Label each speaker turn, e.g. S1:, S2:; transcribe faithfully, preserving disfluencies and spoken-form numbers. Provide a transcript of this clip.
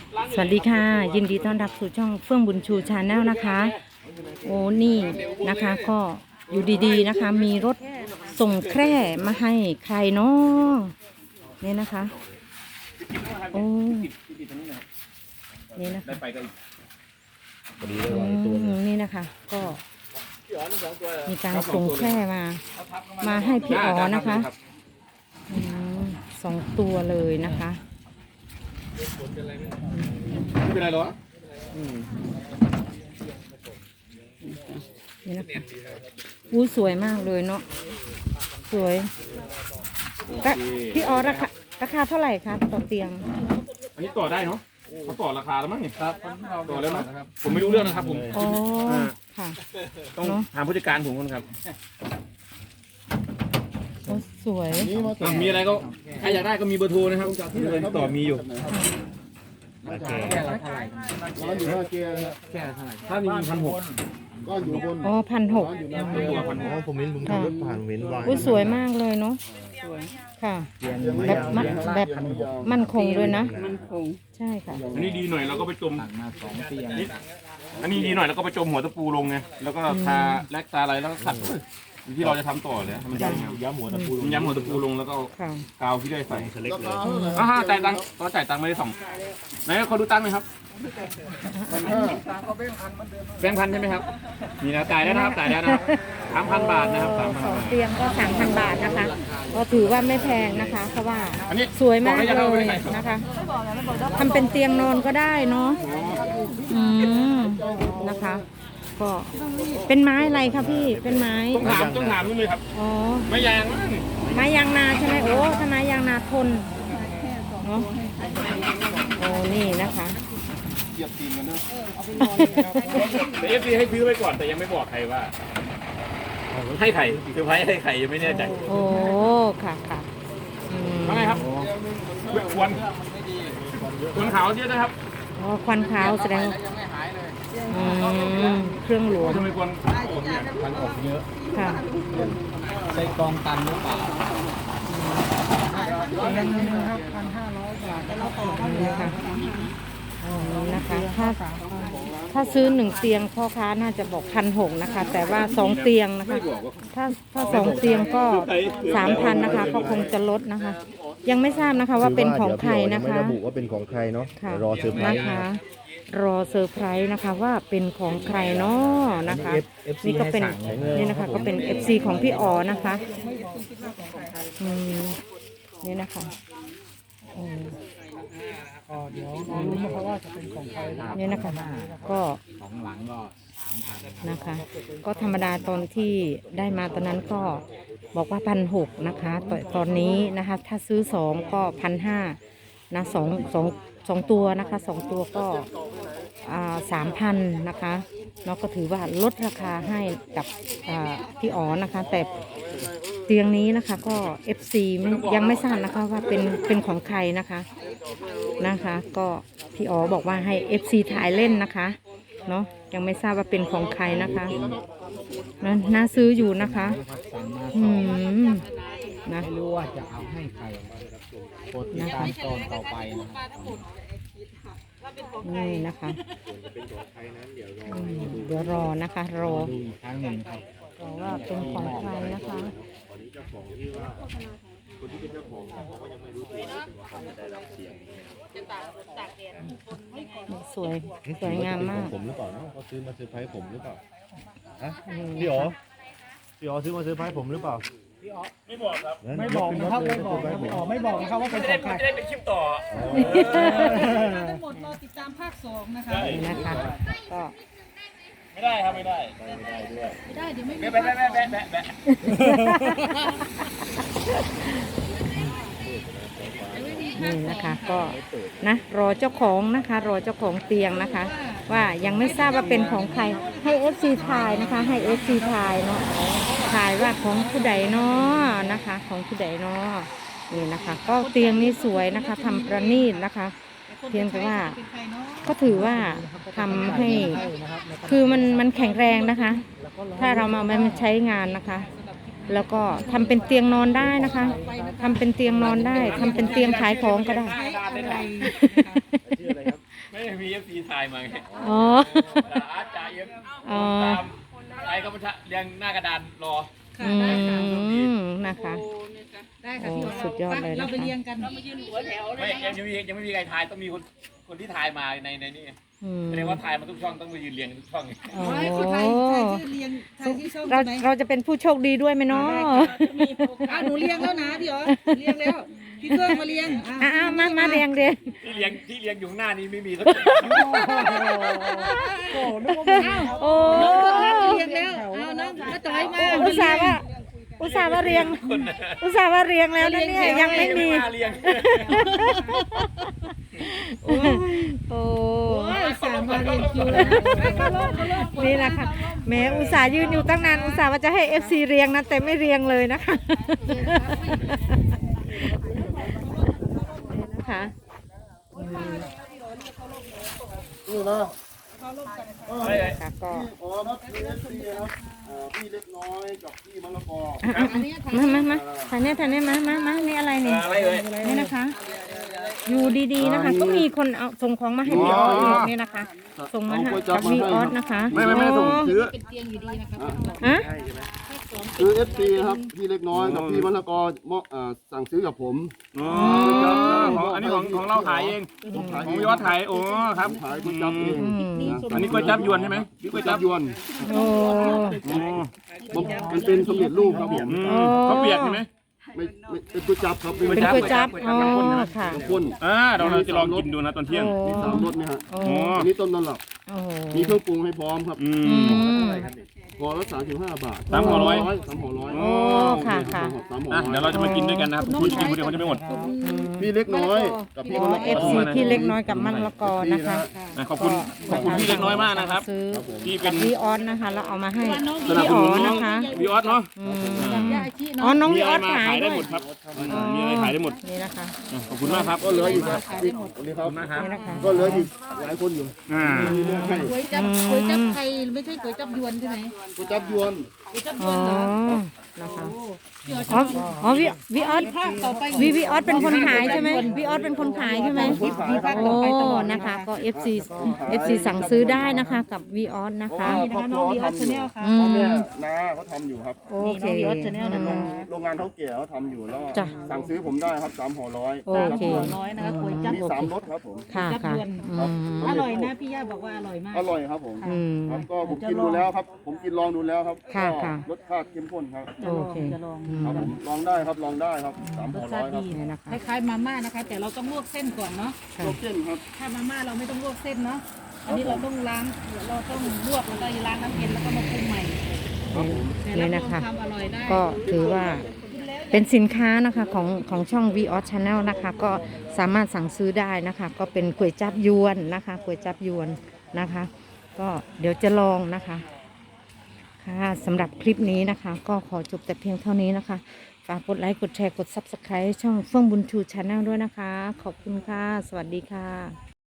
S1: สวัสดีค่ะยินดีต้อนรับสู่ช่องเฟื่องบุญชูชาแนลนะคะโอ้นี่นะคะก็อยู่ดีๆนะคะมีรถส่งแคร่มาให้ใครเนาะนี่นะคะโอ้นี่นะคะอืมนี่นะคะก็มีการส่งแคร่มามาให้พี่อ๋อนะคะอืมสองตัวเลยนะคะ
S2: ไม่เป็นไรหรอ
S1: นี่นะคะอู้สวยมากเลยเนาะสวยพี่อ๋อราคาราคาเท่าไหร่คะต่อเตียง
S2: อันนี้ต่อได้เนาะเขาต่อราคาแล้วมั้งเนี่ยครับต่อแล้วนะผมไม่รู้เรื่องนะครับผม
S1: อ๋อค่ะ
S2: ต้องถามผู้จัดการผมก่อนครับ
S1: สวย
S2: มีอะไรก็ใครอยากได้ก็มีเบอร์โทรนะครับต่อมีอยู่
S3: แค่ละเท่าไหร่ร้อนอยู่ห้าเกียร์แค่เท่าไหร่
S2: ถ้ามีพันหก
S3: ก็อยู่บน
S1: อ๋อพันหก
S2: ตัวพันหก
S3: ผมเห็นผมขับรถผ่านเห็นวาย
S1: อุ้ยสวยมากเลยเนาะค่ะแบบมันแบบมั่นคงเลยนะมั่นคงใช่ค่ะ
S2: อันนี้ดีหน่อยเราก็ไปจม
S3: มาสองเตียง
S2: อันนี้ดีหน่อยแล้วก็ไปจมหัวตะปูลงไงแล้วก็ทาแลกตาอะไรแล้วก็ขัดที่เราจะทำต่อเลยมันย้ำหัวตะปูย้ำหัวตะปูลงแล้วก็กาวที่ได้ใส่อ่าจ่ายตังค์ตอนจ่ายตังค์ไม่ได้ส่งไหนเขาดูตังค์หน่อยครับแบงค์พันใช่ไหมครับนี่นะจ่ายได้นะครับจ่ายได้นะครับสามพันบาทนะครับสามพัน
S1: เตียงก็สามพันบาทนะคะก็ถือว่าไม่แพงนะคะเพราะว่าสวยมากเลยนะคะทำเป็นเตียงนอนก็ได้เนาะอืมนะคะก็เป็นไม้อะไรคะพี่เป็นไม้
S2: ต้องถามต้องถามนู่นเลยครับ
S1: อ๋อ
S2: ไม้ยางมั้ง
S1: ไม้ยางนาใช่ไหมโอ้ถ้าไม้ยางนาทนเนาะโอ้นี่นะคะ
S3: เหยียบตีนกันเนอะ
S2: แต่เอฟซีให้ซื้อไปก่อนแต่ยังไม่บอกใครว่าให้ไข่เซอร์ไพรส์ให้ไข่ยังไม่แน่ใจ
S1: โอ้ค่ะค่ะ
S2: ว่าไงครับควันควันขาวเยอะนะครับ
S1: อ๋อควันขาวแสดงเครื่องหลวง
S2: ทำไมควันผมเนี่ยควันออกเยอะ
S1: ค่ะ
S3: ใส่กองตันหรือเปล่า
S1: ครับพันห้าร้อยบาทแล้วต่อนี่ค่ะนะคะถ้าถ้าซื้อหนึ่งเตียงพ่อค้าน่าจะบอกพันหกนะคะแต่ว่าสองเตียงนะคะถ้าถ้าสองเตียงก็สามพันนะคะก็คงจะลดนะคะ ยังไม่ทราบนะคะว่าเป็นของใครนะคะ
S3: ไม่ระบุว่าเป็นของใครเนาะรอเซอร์ไพรส์
S1: นะคะรอเซอร์ไพรส์นะคะว่าเป็นของใครเนาะนะคะนี่ก็เป็นนี่นะคะก็เป็น เอฟ ซี ของพี่อ๋อนะคะอืมนี่นะคะเดี๋ยวรู้นะคะว่าจะเป็นของใครนี่นะคะก็
S3: ของหลังก็สามพัน
S1: นะคะก็ธรรมดาตอนที่ได้มาตอนนั้นก็บอกว่าพันหกนะคะตตอนนี้นะคะถ้าซื้อสองก็พันห้านะสองสองสองตัวนะคะสองตัวก็อ่าสามพันนะคะเนาะก็ถือว่าลดราคาให้กับอ่าพี่อ๋อนะคะแต่เตียงนี้นะคะก็ เอฟ ซี ยังไม่ทราบนะคะว่าเป็นเป็นของใครนะคะนะคะก็พี่อ๋อบอกว่าให้ เอฟ ซี ถ่ายเล่นนะคะเนาะยังไม่ทราบว่าเป็นของใครนะคะนะน่าซื้ออยู่นะคะอืมนะ
S3: ไม่รู้ว่าจะเอาให้ใครโปรดติดตามตอนต่อไป
S1: นี่นะคะเดี๋ยวรอนะคะรอ
S3: ดูอีกครั้งหนึ่งครับ
S1: รอว่าเป็นของใครนะคะสวยสวยงามมาก
S3: ผมหรือเปล่าเนาะเขาซื้อมาเซอร์ไพรส์ผมหรือเปล่าฮะพี่อ๋อพี่อ๋อซื้อมาเซอร์ไพรส์ผมหรือเปล่า
S2: พี่อ๋อไม่บอกครับ
S3: ไม่บอกนะครับไม่บอกครับพี่อ๋อไม่บอกนะครับว่าเป็นของใคร
S2: จะได้เป็นคลิปต่อ
S4: ทั้งหมดรอติดตามภาคสองนะคะ
S1: นี่นะคะก็
S2: ไม่ได้ครับไม่ได้ไม่ได้ด้วย
S4: ไม่ได้เดี๋ยวไม่มี
S2: แบะแบะแบะแบะแบะ
S1: นี่นะคะก็นะรอเจ้าของนะคะรอเจ้าของเตียงนะคะว่ายังไม่ทราบว่าเป็นของใครให้ เอฟ ซี ถ่ายนะคะให้ เอฟ ซี ถ่ายเนาะถ่ายว่าของผู้ใดเนาะนะคะของผู้ใดเนาะนี่นะคะก็เตียงนี้สวยนะคะทำประณีตนะคะเพียงแต่ว่าก็ถือว่าทำให้คือมันมันแข็งแรงนะคะถ้าเรามาไม่ใช้งานนะคะแล้วก็ทำเป็นเตียงนอนได้นะคะทำเป็นเตียงนอนได้ทำเป็นเตียงขายของก็ได้
S2: มีเอฟซีถ่ายมาไง
S1: อ๋อ
S2: อาร์ตจ่าเอ็ม
S1: อ๋อ
S2: ตามใครก็มาเรียงหน้ากระดานรอ
S4: ค่ะ
S1: อื
S4: ได้ค่ะ
S1: มนะคะ
S4: ได้ค่ะ
S1: โอ้
S4: พี่อ๋อ
S1: สุดยอดเลยนะคะ
S4: เราไปเรียงกัน
S2: ไม่ยังยังมียังไม่มีใครถ่ายต้องมีคนคนที่ถ่ายมาในในนี่
S1: อืม
S2: แสดงว่าถ่ายมาทุกช่องต้องมายืนเรียงทุกช่อง
S1: อ๋อ
S4: ไว้คือไทยไทยที่เรียงไทยที่ช่อง
S1: เรา
S4: ใช่ไหม
S1: เราจะเป็นผู้โชคดีด้วยไหมเนาะ
S4: อ่ะหนูเรียงแล้วนะพี่อ๋อเรียงแล้วพี่เพื่อนมาเรียงอ่ะ
S1: อ่ามามาเรียงเรียง
S2: ที่เรียงที่เรียงอยู่ข้างหน้านี้ไม่มีสัก
S1: โอ้
S4: น้องก็รับเรียงแล้วเอาน้องมาจ่อยมา
S1: อุตส่าห์ว่าอุตส่าห์ว่าเรียง อุตส่าห์ว่าเรียงแล้วนะเนี่ยยังไม่มี
S2: เรียง
S1: โอ้
S4: โอ้ยสามมาเรียงคิวแล้วนะ
S1: นี่แหละค่ะแหม้อุตส่าห์ยืนอยู่ตั้งนานอุตส่าห์ว่าจะให้ เอฟ ซี เรียงนะแต่ไม่เรียงเลยนะคะนี่นะคะ
S5: นี่นะ
S1: ค่ะก็
S5: อ๋อครับพี่เอฟซีครับอ่าพี่เล็กน้อยกับพี่มะละกอ
S1: อ่ะอ่ะมามามาถ่ายเนี่ยถ่ายเนี่ยมามามานี่อะไรนี่
S2: อะไรเอ่ย
S1: นี่นะคะ อยู่ดีๆนะคะ ก็มีคนเอาส่งของมาให้พี่ออสอีกนี่นะคะ ส่งมาให้กับพี่ออสนะคะ
S5: ไม่ไม่ไม่ส่งซื้อ
S4: เป็นเตียงอยู่ดีนะคะ
S1: ฮะ
S5: ซื้อเอฟซีครับพี่เล็กน้อยกับพี่มะละกอมอบอ่าสั่งซื้อกับผม
S2: อ๋อของอันนี้ของของเราขายเอง
S5: ผมขาย
S2: ของยอดขายโอ้ครับ
S5: ผมขายก๋วยจั๊บเอง
S1: อืม
S2: อันนี้ก๋วยจั๊บยวนใช่ไหมก๋
S5: ก๋
S2: ว
S5: วย ย
S2: จั๊
S5: จั๊
S2: บบ
S5: ยวน
S1: โอ้
S2: อ๋อ
S5: มันมันเป็นสำเร็จรูปครับผม
S2: อืมเขาเปียกใช่ไหม
S5: ไม่ไม่เป็นก๋วยจั๊บครับ
S1: เป็นก๋วยจั๊บอ๋อค่ะ
S5: น้ำข้น
S2: อ่าเราจะลองกินดูนะตอนเที่ยง
S1: โอ้
S5: มีสามรสเนี่ยฮะ
S1: โอ้
S2: อ๋อ
S5: อันนี้ต้นตำรับ
S1: โอ้โห
S5: มีเครื่องปรุงให้พร้อมครับ
S2: อื
S1: อื
S2: ม
S1: ม
S5: ห่อละสามสิบห้าบาท
S2: สามห่อร้อย
S5: สามห่อร้อย
S1: โอ้ค่ะค่ะ
S5: สามห่อ
S2: อ่ะ
S5: ร้อย
S2: เดี๋ยวเราจะมากินด้วยกันนะครับคุณกินคนเดียวเขาจะไม่หมด
S5: พี่เล็กน้อยกับพี่มะละก
S1: เอ
S5: อ
S1: ฟซีพี่เล็กน้อยกับมันละกอนะคะ
S2: อ่ะขอบคุณขอบคุณพี่เล็กน้อยมากนะครับ
S1: ซื้อ
S2: ที่เป็น
S1: พี่ออสนะคะแล้วเอามาให้
S2: สนับ
S1: พี่
S2: ส
S1: อ๋
S2: นุ
S1: อน
S2: น้อง
S1: นะคะ
S2: พี่ออสเนาะ
S1: อืม
S4: ยาอาชี
S1: อ๋อ
S4: เนาะ
S1: น้อง
S2: มี
S1: พี่อ
S2: อะไร
S1: อส
S2: มา
S1: ขาย
S2: ขายได้
S1: ด้วย
S2: หมดครับมีอะไรขายได้หมด
S1: นี่นะคะ
S2: อ่ะขอบคุณมากครับ
S5: ก็เหลืออีกครับอีกวันนี้ครับ
S1: นี่นะคะ
S5: ก็เหลืออีกหลายคนอยู่
S2: อ่า
S5: มีเรื่องให้
S4: ก๋วยจับก๋วยจับไทยไม่ใช่ก๋วยจับยวนใช่ไหม
S5: ก๋วยจับยวน
S4: ก๋วยจับย
S1: อ๋
S4: ว
S1: อน
S4: เหรอ
S1: นะคะ
S4: พี่อ๋อ
S1: อ๋ออ๋อพี่พี่ออส
S4: ภาคต่อไป
S1: วีวีออสเป็นคนขายใช่ไหมวีออสเป็นคนขายใช่ไหม
S4: มีภาคต่อ
S1: โอ้
S4: ไปตลอด
S1: นะคะ ก็ เอฟ ซี เอฟ ซี สั่งซื้อได้นะคะกับวีออสนะคะ
S4: นี่นะคะน้องวีออสชาแนลค่ะ
S1: อื
S5: พ่อ
S1: ม
S5: แม่น้าเขาทำอยู่ครับ
S1: โอเค
S4: นี่น้องวีออส Channel นะคะ
S5: โรงงานเท่าแก่เขาทำอยู่แล้ว
S1: จ้ะ
S5: สั่งซื้อผมได้ครับสามห่อร้อย
S1: โอเค
S4: หัวน้อยนะคะก๋วยจับ
S5: มีสามรสครับผม
S1: ค่ะค่ะอืม
S4: อร่อยนะพี่ย่าบอกว่าอร่อยมาก
S5: อร่อยครับผม
S1: อืม
S5: ครับก็ผมกินดูแล้วครับ ผมกินลองดูแล้วครับ
S1: ค่ะ
S5: ก็
S1: ค่ะ
S5: รสชาติเข้มข้นครับ
S4: จะลอง
S1: โอเค
S4: จะลอง
S1: อืม
S5: ครับผมลองได้ครับลองได้ครับสาม
S4: ร
S5: ห่อ
S4: ส
S5: ร้
S4: ชา
S5: อย
S4: ติ
S5: ครับ
S4: ดี
S1: นี่นะคะ
S4: คล้ายๆมาม่านะคะ แต่เราต้องลวกเส้นก่อนเนาะ
S1: ค่ะ
S5: ลวกเส้นครับ
S4: ถ้ามาม่าเราไม่ต้องลวกเส้นเนาะอันนี้เราต้องล้างเราต้องลวกแล้วก็ล้างน้ำเย็นแล้วก็มาปรุงใหม่
S5: ครับผม
S4: แต่
S1: นี่
S4: รับร
S1: นะ
S4: อง
S1: คะ
S4: ความอร่อยได้
S1: ก็ถือว่าเป็นสินค้านะคะของของช่อง วี ออส Channel นะคะ ก็สามารถสั่งซื้อได้นะคะ ก็เป็นก๋วยจับยวนนะคะก๋วยจับยวนนะคะ ก็เดี๋ยวจะลองนะคะค่ะสำหรับคลิปนี้นะคะ ก็ขอจบแต่เพียงเท่านี้นะคะฝากกดไลค์กดแชร์กด ซับสไครบ์ ช่องเฟื่องบุญชู Channel ด้วยนะคะ ขอบคุณค่ะ สวัสดีค่ะ